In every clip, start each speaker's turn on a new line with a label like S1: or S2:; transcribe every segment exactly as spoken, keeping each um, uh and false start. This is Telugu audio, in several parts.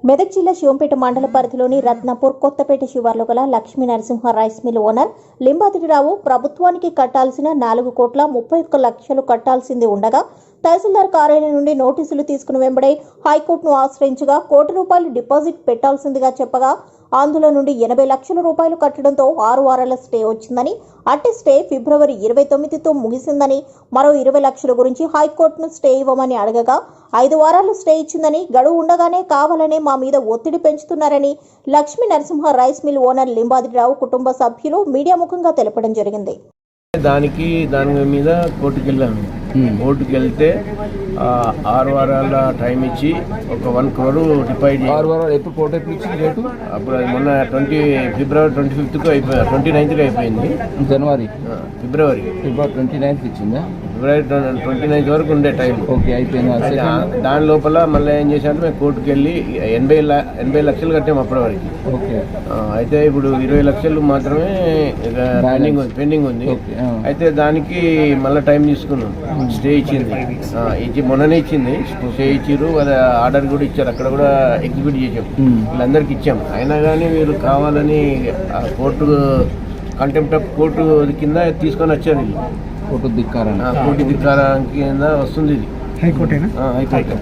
S1: మెదక్ జిల్లా శివంపేట మండల పరిధిలోని రత్నాపూర్ కొత్తపేట శివార్లో గల Lakshmi Narasimha rice mill owner Limbadrirao ప్రభుత్వానికి కట్టాల్సిన నాలుగు కోట్ల ముప్పై ఒక్క లక్షలు కట్టాల్సింది ఉండగా తహసీల్దార్ కార్యాలయం నుండి నోటీసులు తీసుకుని వెంబడే హైకోర్టును ఆశ్రయించగా కోటి రూపాయలు డిపాజిట్ పెట్టాల్సిందిగా చెప్పగా అందులో నుండి ఎనభై లక్షల రూపాయలు కట్టడంతో ఆరు వారాల స్టే వచ్చిందని, అట్టి స్టే ఫిబ్రవరి ఇరవై తొమ్మిదితో ముగిసిందని, మరో ఇరవై లక్షల గురించి హైకోర్టును స్టే ఇవ్వమని అడగగా ఐదు వారాలు స్టే ఇచ్చిందని, గడువు ఉండగానే కావాలనే మా మీద ఒత్తిడి పెంచుతున్నారని Lakshmi Narasimha rice mill owner Limbadrirao కుటుంబ సభ్యులు మీడియా ముఖంగా తెలపడం జరిగింది.
S2: దానికి దాని మీద కోర్టుకు వెళ్ళాము. కోర్టుకు వెళ్తే ఆరు వారాల టైం ఇచ్చి ఒక వన్ క్రోర్ డిపాజిట్.
S3: ఆరు వారాలు ఎప్పుడు కోర్టు ఎప్పుడు ఇచ్చింది రేటు?
S2: అప్పుడు అది మొన్న ట్వంటీ ఫిబ్రవరి ట్వంటీ ఫిఫ్త్కు అయిపోయి ట్వంటీ నైన్త్కి అయిపోయింది.
S3: జనవరి
S2: ఫిబ్రవరి
S3: ఫిబ్రవరి ట్వంటీ నైన్త్ ఇచ్చిందా?
S2: ఫిబ్రవరి ట్వంటీ నైన్త్ వరకు ఉండే టైం.
S3: ఓకే, అయిపోయింది.
S2: దాని లోపల మళ్ళీ ఏం చేశారంటే మేము కోర్టుకు వెళ్ళి ఎనభై ఎనభై లక్షలు కట్టాము అప్పటి వరకు.
S3: ఓకే,
S2: అయితే ఇప్పుడు ఇరవై లక్షలు మాత్రమే పెండింగ్ ఉంది పెండింగ్ ఉంది అయితే దానికి మళ్ళీ టైం తీసుకున్నాం. స్టే ఇచ్చింది ఇచ్చి మొన్ననే ఇచ్చింది స్టే ఇచ్చిర్రు. అది ఆర్డర్ కూడా ఇచ్చారు, అక్కడ కూడా ఎగ్జిక్యూట్ చేసాం, వీళ్ళందరికీ ఇచ్చాం. అయినా కానీ వీళ్ళు కావాలని కోర్టు కంటెంప్ట్ ఆఫ్ కోర్టు కింద తీసుకొని వచ్చారు. వీళ్ళు
S3: కోర్టు ధిక్కారం
S2: కోర్టు ధిక్కారం కింద వస్తుంది. ఇది
S4: హైకోర్టేనా?
S2: హైకోర్టు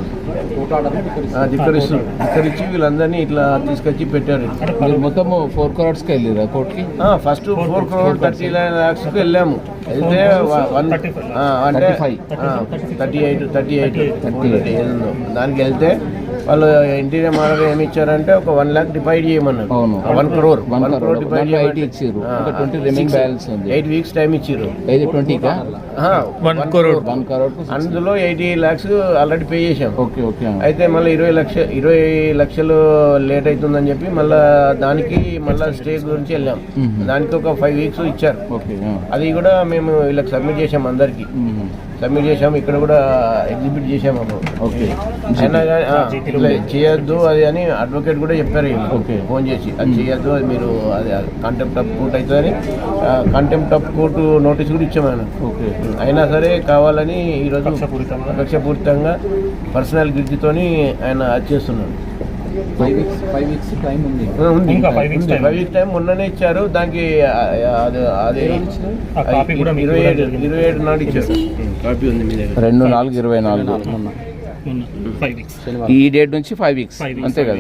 S2: ధిక్కరిస్తూ ధిక్కరించి వీళ్ళందరినీ ఇట్లా తీసుకొచ్చి పెట్టారు.
S3: మీరు మొత్తం ఫోర్ క్రోర్స్కి వెళ్ళారా కోర్టుకి?
S2: First four crore thirty nine ల్యాక్స్కి వెళ్ళాము. అయితే వన్ అంటే thirty eight thirty eight thirty eight ఏదో దానికి వెళ్తే వాళ్ళు ఇంటీరియర్ మోడల్ ఏమి ఇచ్చారంటే ఒక వన్ ల్యాక్ డివైడ్ చేయమన్నారు. One crore one crore divide
S3: ఇచ్చారు. ఎయిట్
S2: వీక్స్ టైం ఇచ్చారు.
S3: ట్వంటీకా
S4: వన్ క్రోర్
S3: వన్ క్రోర్
S2: అందులో ఎయిటీ ల్యాక్స్ ఆల్రెడీ పే చేసాం.
S3: Okay okay.
S2: అయితే మళ్ళీ ఇరవై లక్ష ఇరవై లక్షలు లేట్ అవుతుందని చెప్పి మళ్ళీ దానికి మళ్ళీ స్టే గురించి వెళ్ళాం. దానికి ఒక ఫైవ్ వీక్స్ ఇచ్చారు. అది కూడా మేము వీళ్ళకి సబ్మిట్ చేసాం, అందరికి సబ్మిట్ చేసాము. ఇక్కడ కూడా ఎగ్జిబిట్ చేసాము. ఓకే, అయినా కానీ చేయొద్దు అది అని అడ్వకేట్ కూడా చెప్పారు. ఫోన్ చేసి అది చేయొద్దు, అది మీరు అది కంటెంప్ట్ ఆఫ్ కోర్ట్ అవుతుందని కంటెంప్ట్ ఆఫ్ కోర్టు నోటీస్ కూడా ఇచ్చాము ఆయన. ఓకే, అయినా సరే కావాలని ఈరోజు కక్షపూరితంగా పర్సనల్ గిడ్జితోని ఆయన అది చేస్తున్నాడు.
S3: Five weeks five weeks time ఉంది.
S2: ఫైవ్ వీక్స్ టైం మొన్ననే ఇచ్చారు. దానికి అది ఇరవై ఏడు ఇరవై ఏడు నాడు ఇచ్చారు. కాపీ ఉంది మీ దగ్గర.
S3: రెండు నాలుగు ఇరవై నాలుగు ఈ డేట్ నుంచి ఫైవ్ వీక్స్ అంతే కదా?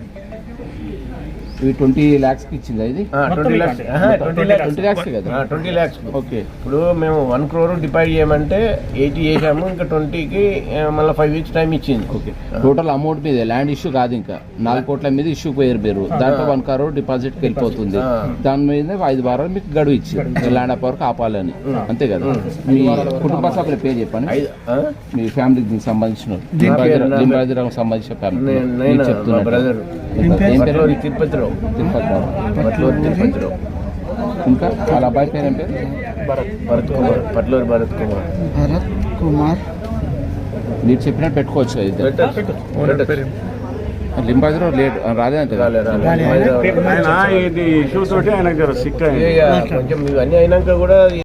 S3: ఈ ట్వంటీ ల్యాక్స్కి ఇచ్చింది ఇది?
S2: ట్వంటీ ల్యాక్స్ ట్వంటీ ల్యాక్స్ కదా? ట్వంటీ ల్యాక్స్. ఓకే, ఇప్పుడు మేము వన్ క్రోర్ డిపాజిట్ చేయమంటే ఎయిటీ చేసాము, ఇంకా ట్వంటీకి మళ్ళీ ఫైవ్ వీక్స్ టైం ఇచ్చింది.
S3: ఓకే, టోటల్ అమౌంట్ మీద ల్యాండ్ ఇష్యూ కాదు, ఇంకా నాలుగు కోట్ల మీద ఇష్యూ పోయారు పేరు. దాంట్లో వన్ క్రోర్ డిపాజిట్కి వెళ్ళిపోతుంది. దాని మీద ఐదు వారాలు మీకు గడువు ఇచ్చారు ల్యాండ్ అప్ వరకు ఆపాలని, అంతే కదా? మీ కుటుంబ సభ్యుల పేరు చెప్పండి, మీ ఫ్యామిలీకి సంబంధించిన లింబాద్రిరావుకి సంబంధించిన ఫ్యామిలీ చెప్తున్నారు.
S2: తిరుపతిరావు తిరుపతిరావు
S3: ఇంకా వాళ్ళ అబ్బాయి పేరు ఏం పేరు?
S2: భరత్ భరత్ కుమార్ పట్లూరు భరత్ కుమార్
S4: భరత్ కుమార్
S3: మీరు చెప్పినట్టు పెట్టుకోవచ్చు. అయితే లింబాద్రిరావు లేట్ రాదే అంటే
S2: ఇది ఇష్యూ తోటి ఆయనకు సిక్ కొంచెం ఇవన్నీ అయినాక కూడా